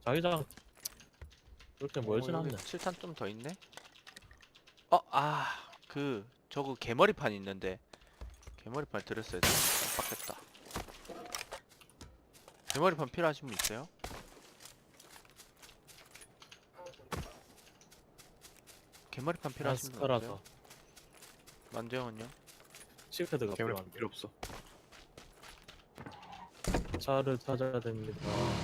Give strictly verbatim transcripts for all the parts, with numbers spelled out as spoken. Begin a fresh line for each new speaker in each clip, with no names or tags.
자기장 그렇게 멀진
어,
않네.
여기 칠 탄 좀 더 있네. 어, 아, 그 저거 개머리판 있는데 개머리판 드렸어야 돼. 깜빡했다. 개머리판 필요하신 분 있어요? 개머리판 필요하신 분 없어요?
스카라서
만재형은요?
칠패드가
개물
필요한데
필요 없어.
차를 찾아야 됩니다.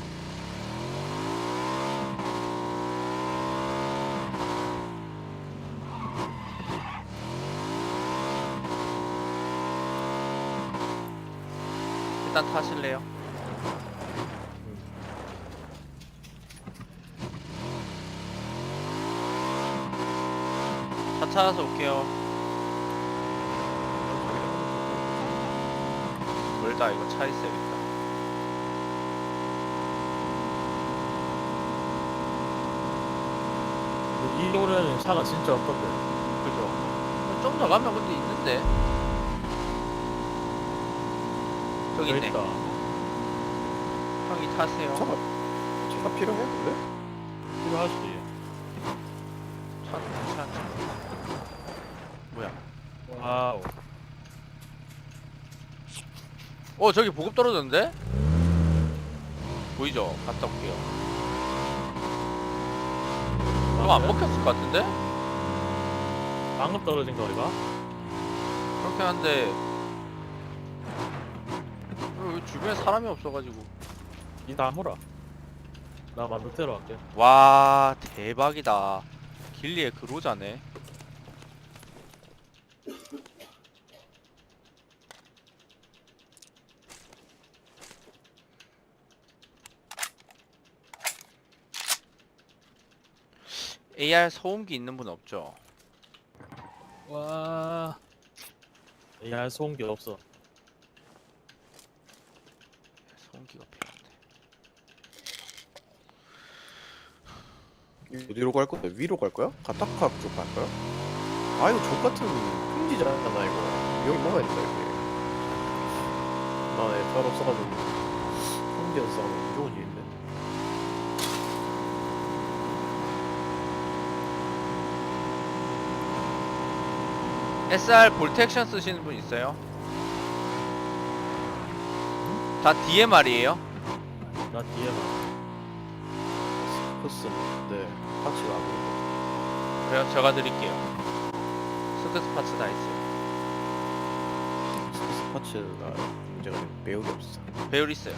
일단 타실래요? 차 찾아서 올게요. 멀다. 이거 차 있어야겠다.
근데 이 노래는 차가 진짜 없던데.
그죠? 좀 더 가면 근데 있는데. 저기
여기
있네.
있다.
형이 타세요.
차가 차가 필요해 근데?
필요하지.
차, 차, 차. 뭐야?
와우.
어, 저기 보급 떨어졌는데? 보이죠? 갔다 올게요. 그거 안 먹혔을 것 같은데?
방금 떨어진 거리가?
그렇긴 한데 여기 주변에 사람이 없어가지고.
니 다물어. 나 만두테러 갈게.
와, 대박이다. 길리의 그로자네. 에이알 소음기 있는 분 없죠?
와. 야 소음기 없어.
소음기가 필요한데.
어디로 갈 거야? 위로 갈 거야? 가타카 쪽 갈 거야? 아 이거 족 같은 평지잖아 이거. 여기 먹어야 된다 이게. 나애 별 없어가지고 평지에서 싸우면 무조건 있네.
에스알 볼텍션 쓰시는 분 있어요? 다 디엠알이에요?
나 뒤에 봐.
스커스 네 파츠가 안 보이고.
그래요? 제가 드릴게요. 스크스 파츠 다 있어요.
스커스 파츠가 문제가 매우게 없어.
배율 있어요.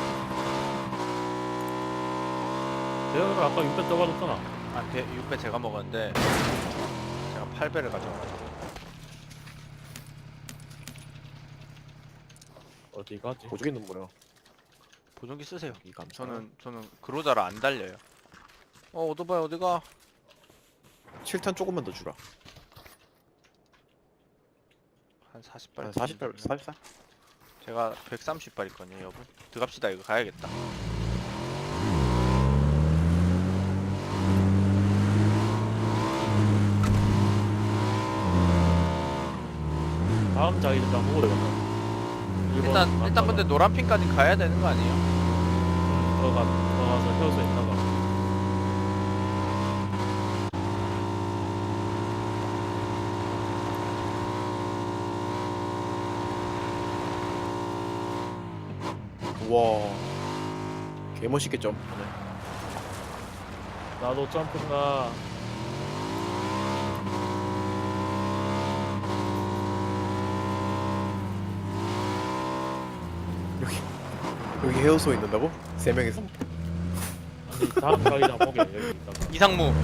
내가 아까 육백 떠가졌잖아.
아, 배, 육 배 제가 먹었는데 제가 팔 배를 가져와가지고.
어디 가지?
보조기는 뭐야?
보정기 쓰세요.
이 감사.
저는 저는 그로자를 안 달려요. 어, 오토바이 어디가?
칠 탄 조금만 더 주라.
한 사십 발.
한 사십 발, 사십 발?
제가 백삼십 발 있거든요, 여러분. 들어갑시다. 이거 가야겠다.
다음 자기장 보고 되겠다.
일단 일단 근데 노란 핀까지 가야 되는 거 아니에요?
들어가 들어가서 효소 있나가.
와 개멋있게 점프네.
나도 점프가.
여기 여기 헤어소 있는다고? 세 명이서?
아니 다음 자기장 보게 여기 있다가.
이상무.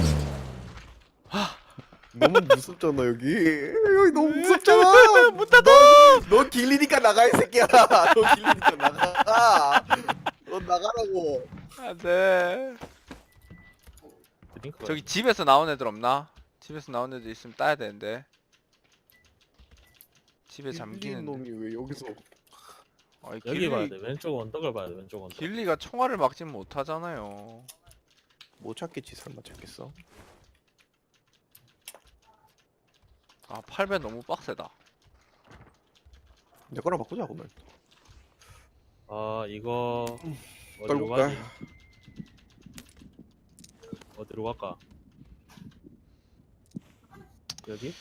너무 무섭잖아 여기. 여기 너무 무섭잖아.
문 닫아.
너 길리니까 나가 이 새끼야. 너 길리니까 나가. 너 나가라고.
안돼.
드링크가
저기 집에서 나온 애들 없나? 집에서 나온 애들 있으면 따야 되는데. 집에
길리
잠기는.
놈이 왜 여기서?
아이,
여기
길리,
봐야 돼. 왼쪽 언덕을 봐야 돼. 왼쪽 언덕.
길리가 총알을 막진 못하잖아요.
못 찾겠지 설마 찾겠어?
아, 팔 배 너무 빡세다.
내 거랑 바꾸자 그러면.
아 이거 어디로
떨고
가지?
가.
어디로 갈까? 여기?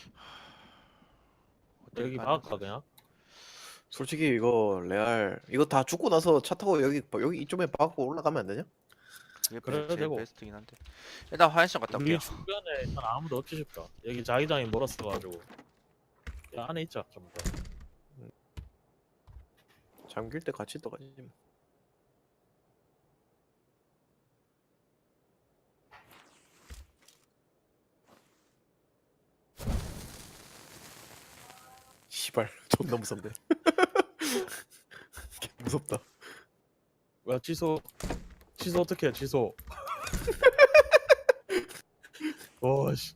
어딜
여기
가나?
박을까 그냥?
솔직히 이거 레알 이거 다 죽고 나서 차 타고 여기 여기 이쪽에 박고 올라가면 안 되냐?
그게
그래도
제일
되고.
베스트긴 한데. 일단 화장실 갔다 올게요.
우리 주변에 일단 아무도 없지 싶다. 여기 자기장이 멀었어가지고 야, 안에 있자 좀 더.
잠길 때 같이 떠가지. 뭐. 씨발 존나 무섭네. 개 무섭다.
야 취소 취소 어떻게 해 취소 와씨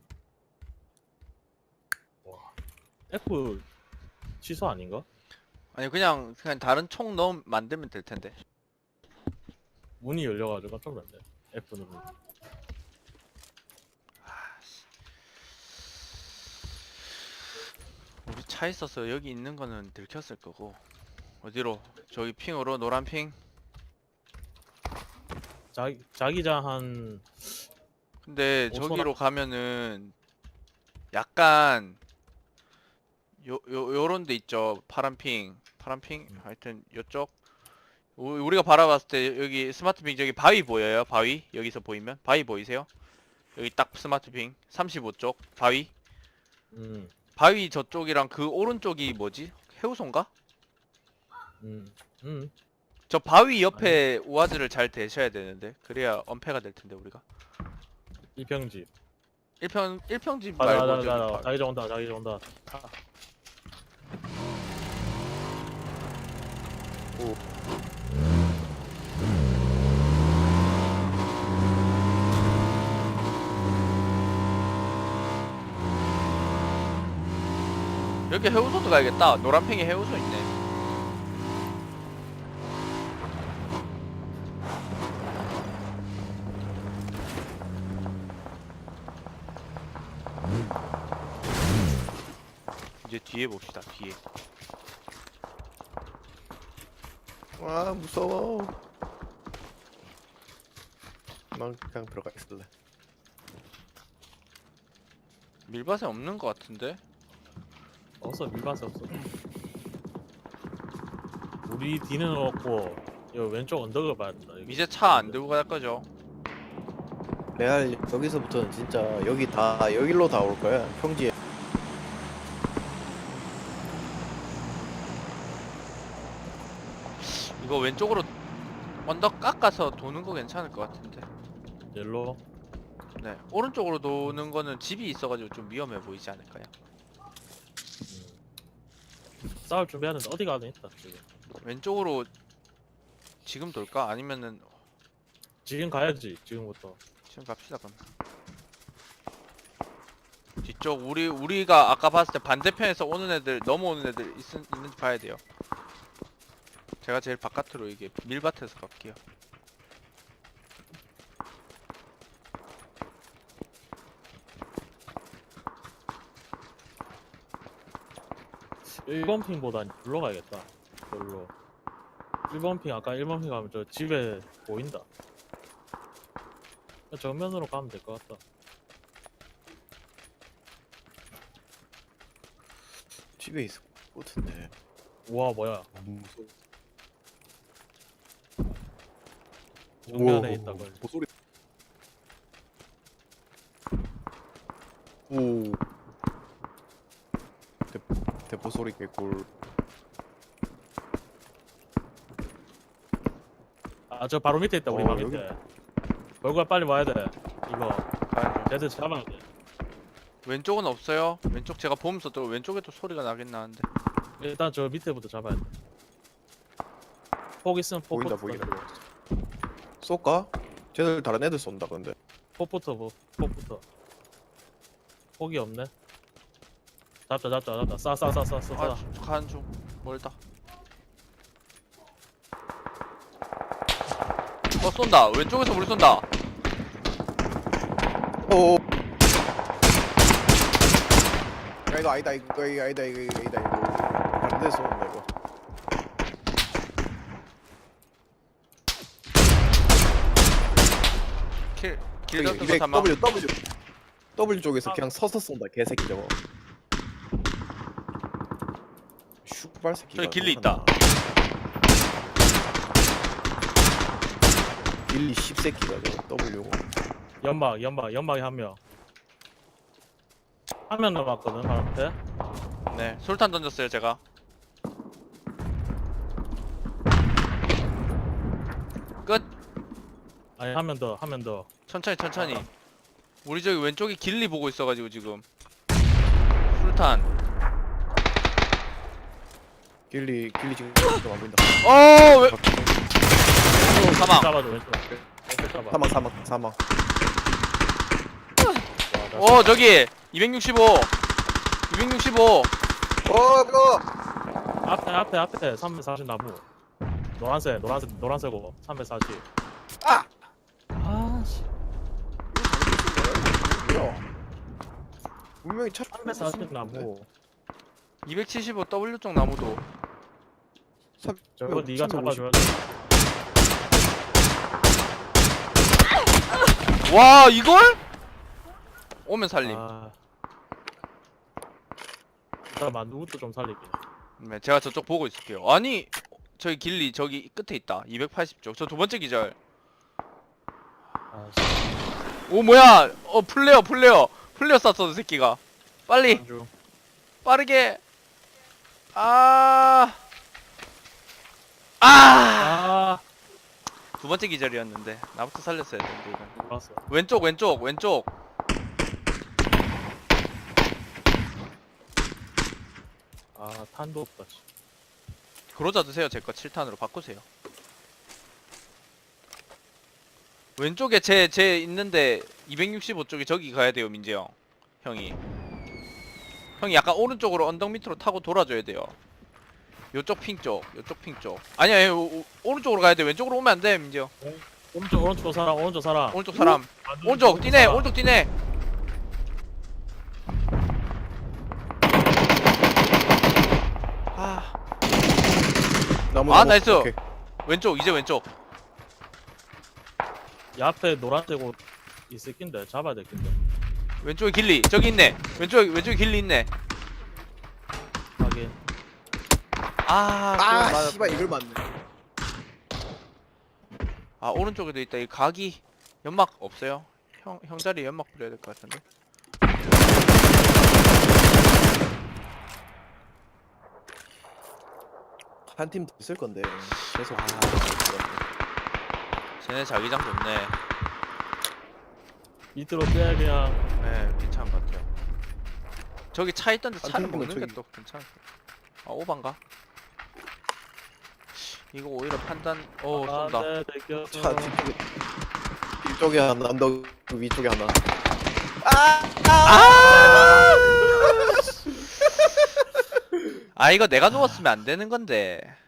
와 F 취소 아닌가?
아니 그냥 그냥 다른 총 넣음 만들면 될 텐데.
문이 열려가지고 깜짝 놀랐네. F 누르
우리 차 있어서 여기 있는 거는 들켰을 거고. 어디로? 저기 핑으로 노란 핑.
자기 자기장 한
근데
오천
저기로 가면은 약간 요, 요, 요런 데 있죠. 파란 핑. 파란 핑.
음.
하여튼 요쪽. 우- 우리가 바라봤을 때 여기 스마트 핑 저기 바위 보여요? 바위? 여기서 보이면? 바위 보이세요? 여기 딱 스마트 핑. 삼십오 쪽. 바위.
음,
바위 저쪽이랑 그 오른쪽이 뭐지? 해우소인가?
음, 음.
저 바위 옆에 우아즈를 잘 대셔야 되는데. 그래야 엄폐가 될 텐데 우리가.
이평집.
일평 일평집
가자,
말고
가자,
저기
가자.
바-
자기장 온다, 자기장 온다.
여기 해우소도 가야겠다. 노란팽이 해우소 있네. 이제 뒤에 봅시다. 뒤에.
와 무서워. 난 그냥 들어가 있을래.
밀밭에 없는 것 같은데.
없어, 밀밭에 없어. 우리 뒤는 없고, 여 왼쪽 언덕을 봐야 된다. 여기.
이제 차 안 들고 갈 거죠.
레알 여기서부터는 진짜 여기 다 여기로 다 올 거야. 평지에.
이거 왼쪽으로 언덕 깎아서 도는 거 괜찮을 것 같은데.
옐로.
네. 오른쪽으로 도는 거는 집이 있어가지고 좀 위험해 보이지 않을까요?
음. 싸울 준비하는데 어디 가든 있다 지금.
왼쪽으로 지금 돌까? 아니면은
지금 가야지 지금부터.
지금 갑시다 그럼. 뒤쪽 우리 우리가 아까 봤을 때 반대편에서 오는 애들 넘어오는 애들 있, 있는지 봐야 돼요. 제가 제일 바깥으로 이게 밀밭에서 갈게요.
일 번 핑보단 불러 가야겠다. 별로. 일 번 핑 아까 일 번 핑 가면 저 집에 보인다. 정면으로 가면 될 것 같다.
집에 있을 것 같은데.
우와 뭐야?
무서워.
정면에 있다 걸.
소리. 오. 대, 대포 소리 개꿀.
아 저 바로 밑에 있다 우리
어,
방 밑에. 얼굴 빨리 와야 돼. 이거
가야죠.
쟤들 잡아야 돼.
왼쪽은 없어요. 왼쪽 제가 보면서 또 왼쪽에도 소리가 나긴 나는데.
일단 저 밑에부터 잡아야 돼. 폭 있으면
보인다
폭부터.
보인다. 쏠까? 쟤들 다른 애들 쏜다 근데.
폭부터 뭐 폭부터. 폭이 없네. 잡자 잡자 잡자. 싸싸싸싸 싸.
아, 가는 중 멀다. 어 쏜다. 왼쪽에서 우리 쏜다.
오. 야 이거 아니다 이거 이거 아니다 이거 이거 아니다 이거. 다른 데서 쏜다 이거.
킬 길
저기
같은 거
이백
삼아.
W W W 쪽에서
아.
그냥 서서 쏜다 개새끼 저거. 슈발 새끼.
저기 길리 있다.
길리 씹새끼가 저거 W.
연막 연막 연막에 한명 한 명 남았거든 바로 앞에.
네, 솔탄 던졌어요 제가. 끝.
아니 한 명 더 한 명 더.
천천히 천천히. 우리 저기 왼쪽에 길리 보고 있어가지고 지금. 술탄.
길리 길리 지금 좀안 보인다.
어 왜? 사망.
잡아줘 왼쪽. 왼쪽 잡아.
사망 사망 사망.
어 저기 이백육십오. 이백육십오.
어 그거.
앞에 앞에 앞에 삼백사십 나무. 노란색 노란색 노란색고 삼백사십.
아.
아씨.
뭐야? 분명히 차.
삼백사십 나무.
이백칠십오 W 쪽 나무도.
삼-
저거 네가
삼백오십.
잡아줘야 돼.
와 이걸? 오면 살림.
아. 잠깐만 누구도 좀 살릴게.
네, 제가 저쪽 보고 있을게요. 아니 저기 길리 저기 끝에 있다. 이백팔십 쪽. 저 두 번째 기절.
아씨.
오 뭐야? 어 플레어 플레어 플레어 쐈어 저 새끼가. 빨리
안주.
빠르게. 아. 아.
아.
두 번째 기절이었는데 나부터 살렸어야 되는데 이건.
알았어.
왼쪽 왼쪽 왼쪽.
아 탄도 없다. 씨.
그러자 드세요. 제 거 칠 탄으로 바꾸세요. 왼쪽에 제 제 있는데 이백육십오 쪽에 저기 가야 돼요 민재 형. 형이. 형이 약간 오른쪽으로 언덕 밑으로 타고 돌아줘야 돼요. 요쪽 핑 쪽, 요쪽 핑 쪽. 아니야, 아니, 오, 오, 오른쪽으로 가야 돼. 왼쪽으로 오면 안 돼, 민재 형.
오른쪽 오른쪽 사람 오른쪽 사람.
오른쪽 사람.
아,
오른쪽 뛰네,
사람.
오른쪽 뛰네. 아,
나무,
아,
나무.
나이스.
오케이.
왼쪽 이제 왼쪽.
이 앞에 노란색 옷 있을 낀데 잡아야 될 낀데.
왼쪽에 길리. 저기 있네. 왼쪽 왼쪽에 길리 있네.
확인.
아,
아,
그거 맞았-
씨발 이걸 맞네.
아 오른쪽에도 있다. 이 각이 연막 없어요? 형, 형 자리에 연막 뿌려야 될 것 같은데.
한 팀 더 있을 건데 계속.
아. 쟤네 자기장 좋네.
밑으로 빼야 그냥.
네, 괜찮은 것 같아요. 저기 차 있던데
아,
차를
그러면
먹는 게
저기-
또 괜찮을 것 같아. 아, 오반가? 이거 오히려 판단, 오,
아,
쏜다.
네, 들켰어.
차 뒤쪽에 뒤쪽에 하나, 언덕 위쪽에 하나.
아, 이거 내가 누웠으면 안 되는 건데.